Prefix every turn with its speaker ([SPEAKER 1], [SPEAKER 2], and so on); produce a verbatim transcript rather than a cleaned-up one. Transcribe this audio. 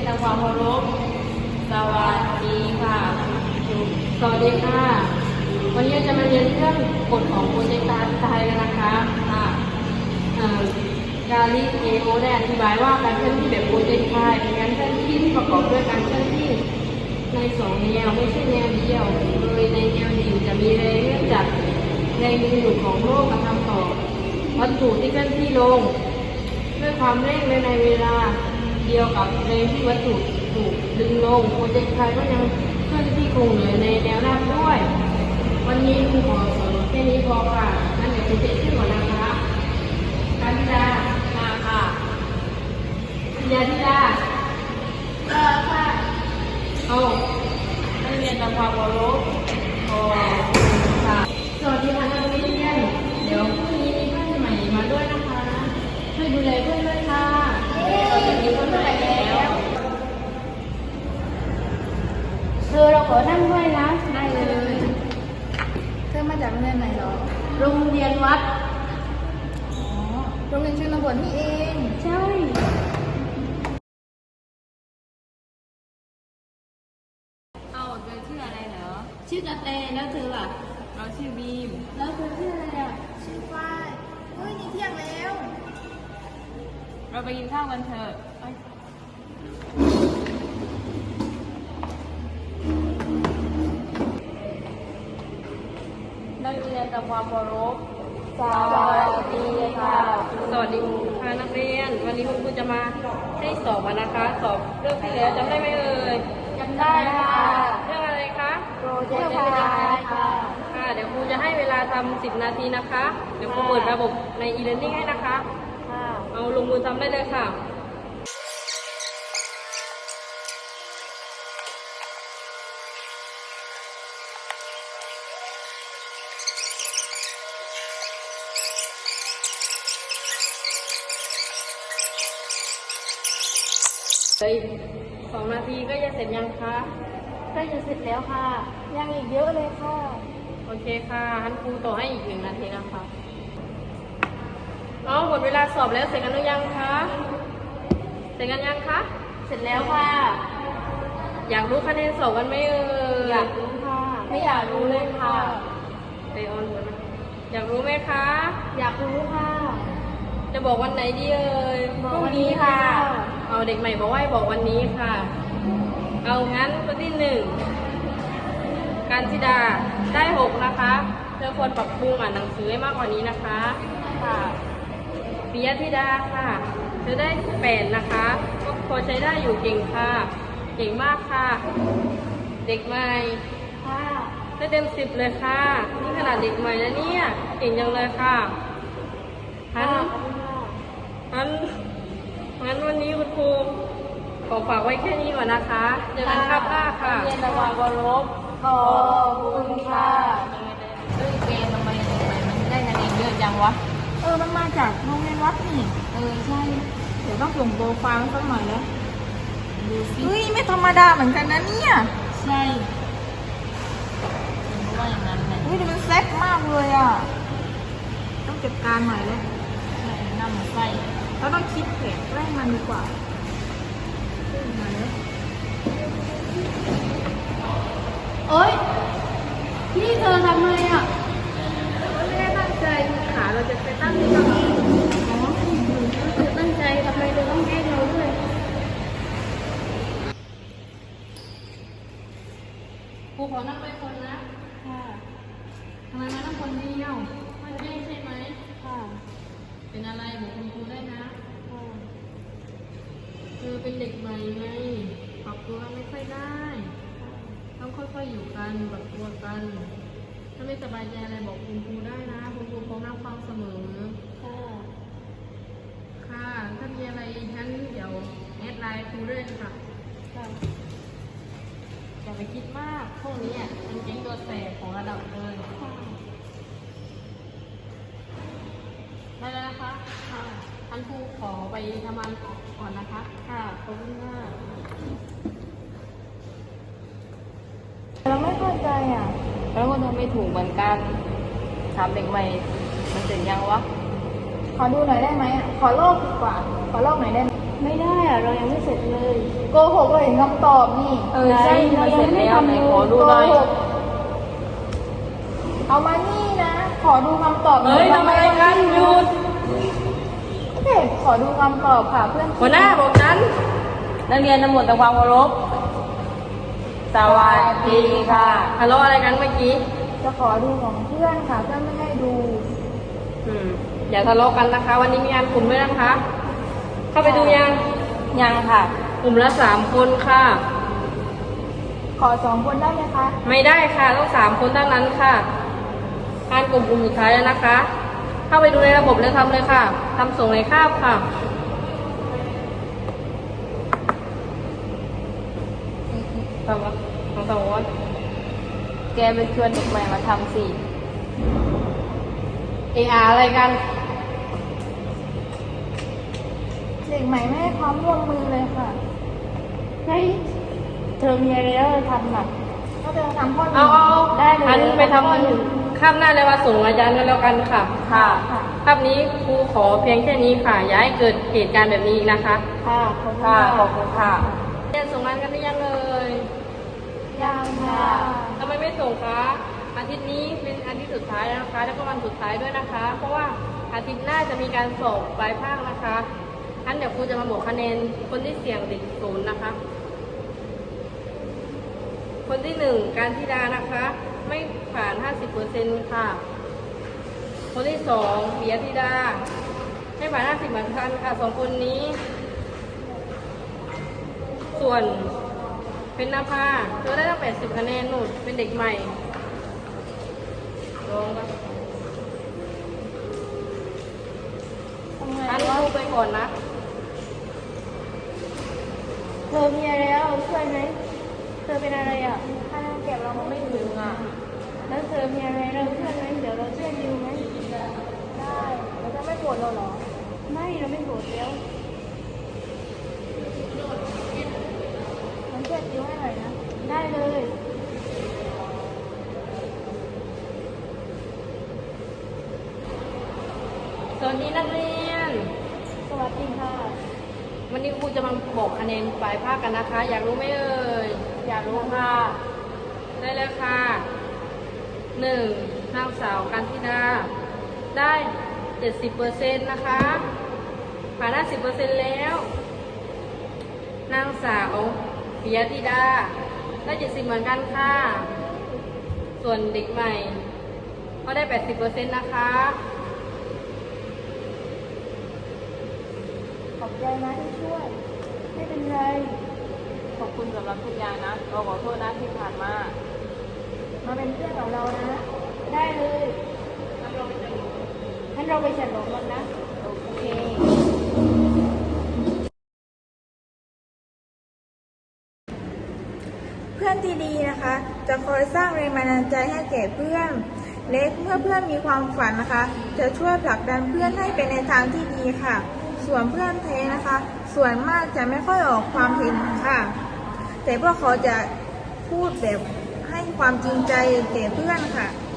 [SPEAKER 1] ทำความเคารพสวัสดีค่ะสวัสดีค่ะวันนี้จะมาเรียนเรื่องกฎของโปรเจกต์การไทยกันนะคะค่ะกาลิเลโอได้อธิบายว่าการเคลื่อนที่แบบโปรเจกต์ไทยเป็นการเคลื่อนที่ที่ประกอบด้วยการเคลื่อนที่ในสองแนวไม่ใช่แนวเดียวโดยในแนวดิ่งจะมีแรงเนื่องจากแรงดึงดูดของโลกกระทำต่อวัตถุที่เคลื่อนที่ลงด้วยความเร่งและในเวลาเดียวกับแรงที่วัตถุถูกดึงลงโปรเจกต์ไทยก็ยังเคลื่อนที่คงเหลือในแนวราบด้วยวันนี้ครูขอสอนแค่นี้พอค่ะนั่นเดี๋ยวคุณเจ็ดขึ้นก่อนนะคะการธิดามาค่ะธิดาธิดาเออค่ะเอานักเรียนทำความเคารพขอบคุณค่ะสวัสดีค่ะนักเรียนเดี๋ยวพรุ่งนี้มีเพื่อนใหม่มาด้วยนะคะช่วยดูแลเพื่อนด้วยค่ะเราจะมีเพื่อนใหม่แล้วเธอเราขอนั่งด้วยนะได้เลย
[SPEAKER 2] เธอมาจากโรงเรียนไหนหรอ
[SPEAKER 1] โรงเรียนวัด
[SPEAKER 2] อ๋อโรงเรียนชนบทนี่เอง
[SPEAKER 1] ใช่เอาเธอชื่ออะไรเหรอชื่อกระแตแล้วเธอล่ะเราชื่อบีมแล้วเธอชื่ออะไรอ่ะ
[SPEAKER 2] ชื่อฝ้ายเฮ้ยนี่เที่ยงแล้ว
[SPEAKER 1] เราไปกินข้าวกันเถอะนักเรียนทำความเคารพสวัสดีค่ะสวัสดีค่ะนักเรียนวันนี้คุณครูจะมาให้สอบนะคะสอบเรื่องที่แล้วจำได้ไหมเอ่ย
[SPEAKER 2] จำได้ค่ะ
[SPEAKER 1] เรื่องอะไรคะ
[SPEAKER 2] โปรเจกต์ไทยค่ะ
[SPEAKER 1] ค่ะเดี๋ยวครูจะให้เวลาทำสิบนาทีนะคะเดี๋ยวครูเปิดระบบใน e-learning ให้นะคะ
[SPEAKER 2] ค่ะ
[SPEAKER 1] เอาลงมือทำได้เลยค่ะเลยสองนาทีก็จะเสร็จยังคะ
[SPEAKER 2] ใกล้จะเสร็จแล้วค่ะยังอีกเยอะเลยค่ะ
[SPEAKER 1] โอเคค่ะท่านครูต่อให้อีกหนึ่งนาทีนะคะเอาหมดเวลาสอบแล้วเสร็จกันหรือยังคะเสร็จกันยังคะ
[SPEAKER 2] เสร็จแล้วค่ะ
[SPEAKER 1] อยากรู้คะแนนสอบกันไหมเอ่ย
[SPEAKER 2] อยากรู้ค่ะไม่อยากรู้เลยค่ะ
[SPEAKER 1] ไปออนหัวนะอยากรู้ไหมคะ
[SPEAKER 2] อยากรู้ค่ะ
[SPEAKER 1] จะบอกวันไหนดีเอ่ย
[SPEAKER 2] บอกวันนี้ค่ะ
[SPEAKER 1] เอาเด็กใหม่บอกว่าบอกวันนี้ค่ะเอางั้นข้อที่หนึ่งการธิดาได้หกนะคะเธอควรปรับปรุงอ่านหนังสือให้มากกว่านี้นะคะ
[SPEAKER 2] ค่ะ
[SPEAKER 1] ปิยธิดาค่ะเธอได้แปดนะคะก็พอใช้ได้อยู่เก่งค่ะเก่งมากค่ะเด็กใหม่
[SPEAKER 2] ค่ะ
[SPEAKER 1] ได้เต็มสิบเลยค่ะนี่ขนาดเด็กใหม่นะเนี่ยเก่งจังเลยค่ะฮันฮันงั้นวันนี้คุณครูขอฝากไว้แค่นี้ก่อนนะคะเจอกันครับหน้าค่ะ
[SPEAKER 2] เรียนระหว่างวารบขอบคุณค่ะ
[SPEAKER 1] เฮ้ยเกณฑ์ทำไมทำไมมันได้คะแนนเยอะจังวะ
[SPEAKER 2] เออมันมาจากโรงเรียนวัดนี่
[SPEAKER 1] เออใช่เดี๋ยวต้องส่งโปรไฟล์สักหน่อยแล้ว
[SPEAKER 2] ดูสิเฮ้ยไม่ธรรมดาเหมือนกันนะเนี่ย
[SPEAKER 1] ใช่เพราะว่าอย่างนั้นแหละ
[SPEAKER 2] เฮ้ยมันแซ่บมากเลยอ่ะต้องจัดการหน่อยเลย
[SPEAKER 1] น้ำมันไส้
[SPEAKER 2] เราต้องคิดแผนแกล้งมันดีกว่า
[SPEAKER 1] โอ๊ยพี่เธอทำไมอ่ะ
[SPEAKER 2] ไม่ได้ตั้งใจขาเราจะไปตั้งที่ตรงนี้
[SPEAKER 1] อ๋อเธอตั้งใจทำไมเธอต้องแกล้งเราด้วยครูขอนั่งไปคนนะ
[SPEAKER 2] ค่ะ
[SPEAKER 1] ทำไมมานั่งคนเดียวไม่ได้ใช่ไหม
[SPEAKER 2] ค่ะ
[SPEAKER 1] เป็นอะไรบอกคุณครูได้นะ
[SPEAKER 2] ค่ะ
[SPEAKER 1] เธอเป็นเด็กใหม่ไงปรับตัวไม่ค่อยได้ต้องค่อยๆอยู่กันปรับตัวกันถ้าไม่สบายใจอะไรบอกคุณครูได้นะคุณครูพร้อมรับฟังเสมอ
[SPEAKER 2] ค่ะ
[SPEAKER 1] ค่ะถ้ามีอะไรงั้นเดี๋ยวแอดไลน์ครูด้วยค่ะ
[SPEAKER 2] ค่ะ
[SPEAKER 1] อย่าไปคิดมากพวกนี้อ่ะเป็นเก่งตัวแสบของระดับเลยได้แล้วนะคะค่ะท่านครูขอไปทำงานก่อนนะคะ
[SPEAKER 2] ค่ะ
[SPEAKER 1] ขอบคุณมาก
[SPEAKER 2] เราไม่เข้าใจอ่ะ
[SPEAKER 1] แล้วก็ทำไม่ถูกเหมือนกันถามเด็กใหม่มันเสร็จยังวะ
[SPEAKER 2] ขอดูหน่อยได้ไหมอ่ะขอโลกดีกว่าขอโลกหน่อยได้ไหม
[SPEAKER 3] ไม่ได้อะเรายังไม่เสร็จเลย
[SPEAKER 2] โกหกเราเห็นคำตอบนี่
[SPEAKER 1] เออใช่
[SPEAKER 3] เรา
[SPEAKER 1] มัน
[SPEAKER 3] ยัง
[SPEAKER 1] เสร็จ
[SPEAKER 3] ไม่
[SPEAKER 1] แล้ว
[SPEAKER 3] ทำ
[SPEAKER 1] ไหน
[SPEAKER 3] เลย
[SPEAKER 1] ขอดูหน่อย
[SPEAKER 2] โกหกเอามานี่นะ ขอดูคำตอบ
[SPEAKER 1] เฮ้ยทำอะไรกันหยุด
[SPEAKER 2] เด็กขอดูคำตอบค่ะเพื่อน
[SPEAKER 1] หัวหน้าบอกฉันนักเรียนทั้งหมดทำความเคารพสวัสดีค่ะทะเลาะอะไรกันเมื่อกี้
[SPEAKER 2] จะขอดูของเพื่อนค่ะเพื่อนไม่ให้ดู
[SPEAKER 1] อืมอย่าทะเลาะกันนะคะ วันนี้มีงานกลุ่มด้วยนะคะ เข้าไปดูยัง
[SPEAKER 3] ยังค่ะ
[SPEAKER 1] กลุ่มละสามคนค่ะ
[SPEAKER 2] ขอสองคนได้ไหมคะ
[SPEAKER 1] ไม่ได้ค่ะต้องสามคนเท่านั้นค่ะงานกลุ่มกลุ่มสุดท้ายแล้วนะคะ เข้าไปดูในระบบแล้วทำเลยค่ะทำส่งในคาบค่ะ ทำละทำสองวัน
[SPEAKER 3] แกไปชวนเด็กใหม่มาทำสิ
[SPEAKER 1] เออาอะไรกัน
[SPEAKER 2] เด็กใหม่ไม่ให้ความร่วมมือเลยค่ะ
[SPEAKER 3] เฮ้ยเธอมีอะไรแล้วเธอทำอ่ะ
[SPEAKER 2] ก็จะทำข้อห
[SPEAKER 1] เอา
[SPEAKER 2] นึ่ง
[SPEAKER 1] เอาเอา
[SPEAKER 3] ได้เลย
[SPEAKER 1] อันไปท
[SPEAKER 3] ข้อหนึ่ง
[SPEAKER 1] ำข้ามหน้าเลยว่าส่งอาจารย์กันแล้วกันค่ะ
[SPEAKER 3] ค่ะ
[SPEAKER 1] ภาพนี้ครูขอเพียงแค่นี้ค่ะ อย่าให้เกิดเหตุการณ์แบบนี้อีกนะคะ
[SPEAKER 3] ค่ะขอบคุณ
[SPEAKER 1] ค่ะ
[SPEAKER 3] ค่ะ
[SPEAKER 1] ขอบคุณค่ะเรียนส่งงานกันหรือยังเลย
[SPEAKER 2] ยังค่ะ
[SPEAKER 1] ทำไมไม่ส่งคะอาทิตย์นี้เป็นอาทิตย์สุดท้ายแล้วนะคะ แล้วก็วันสุดท้ายด้วยนะคะ เพราะว่าอาทิตย์หน้าจะมีการสอบปลายภาคนะคะงั้นเดี๋ยวครูจะมาบอกคะแนนคนที่เสี่ยงติดศูนย์นะคะ คนที่หนึ่งการธิดานะคะ ไม่ผ่าน ห้าสิบเปอร์เซ็นต์ ค่ะ คนที่สองปิยธิดาไม่ผ่าน ห้าสิบเหมือนกันค่ะสองคนนี้ ส่วนเป็นนภาเธอได้ตั้งแปดสิบคะแนนหนุดเป็นเด็กใหม่ลองกัน
[SPEAKER 2] ทำไง
[SPEAKER 1] อัน
[SPEAKER 2] วะ
[SPEAKER 1] ครูไปก่อนนะ
[SPEAKER 3] เธอมีอะไรแล้วช่วยไหมเธอเป็นอะไรอ่ะ
[SPEAKER 2] คะแนนเก็บเราไม่ถึงอ่ะ
[SPEAKER 3] แล้วเธอมีอะไรเราช่วยไหมเดี๋ยวเราช่วยดิวไหม
[SPEAKER 2] ได้เราจะไม่ปวดเราเหรอ
[SPEAKER 3] ไม่เราไม่โกรธแล้ว
[SPEAKER 2] มันช่วยดิ้วให้หน่อยนะ
[SPEAKER 3] ได้เลย
[SPEAKER 1] สวัสดีนักเรียน
[SPEAKER 3] สวัสดีค่ะ
[SPEAKER 1] วันนี้ครูจะมาบอกคะแนนปลายภาคกันนะคะ อยากรู้ไหมเอ่ย
[SPEAKER 3] อยากรู้ค่ะ
[SPEAKER 1] ได้เลยค่ะหนึ่งนางสาวกันธิดาได้เจ็ดสิบเปอร์เซ็นต์นะคะผ่านห้าสิบเปอร์เซ็นต์แล้ว นางสาวปิยธิดาได้เจ็ดสิบเหมือนกันค่ะ ส่วนเด็กใหม่ก็ได้แปดสิบเปอร์เซ็นต์นะคะ
[SPEAKER 2] ขอบใจนะที่ช่วย
[SPEAKER 3] ไม่เป็นไร
[SPEAKER 1] ขอบคุณสำหรับทุกอย่างนะเราขอโทษนะที่ผ่านมา
[SPEAKER 2] มาเป็นเพื่อนกับเรานะ
[SPEAKER 3] ได้เลย
[SPEAKER 1] งั้นเราไปเจอ
[SPEAKER 3] งั้นเราไปฉลองกันนะ โอเค
[SPEAKER 2] เพื่อนที่ดีนะคะ จะคอยสร้างแรงบันดาลใจให้แก่เพื่อน เล็กเมื่อเพื่อนมีความฝันนะคะ จะช่วยผลักดันเพื่อนให้เป็นในทางที่ดีค่ะ ส่วนเพื่อนแท้นะคะ ส่วนมากจะไม่ค่อยออกความเห็นค่ะ แต่พวกเขาจะพูดแบบให้ความจริงใจแก่เพื่อนค่ะ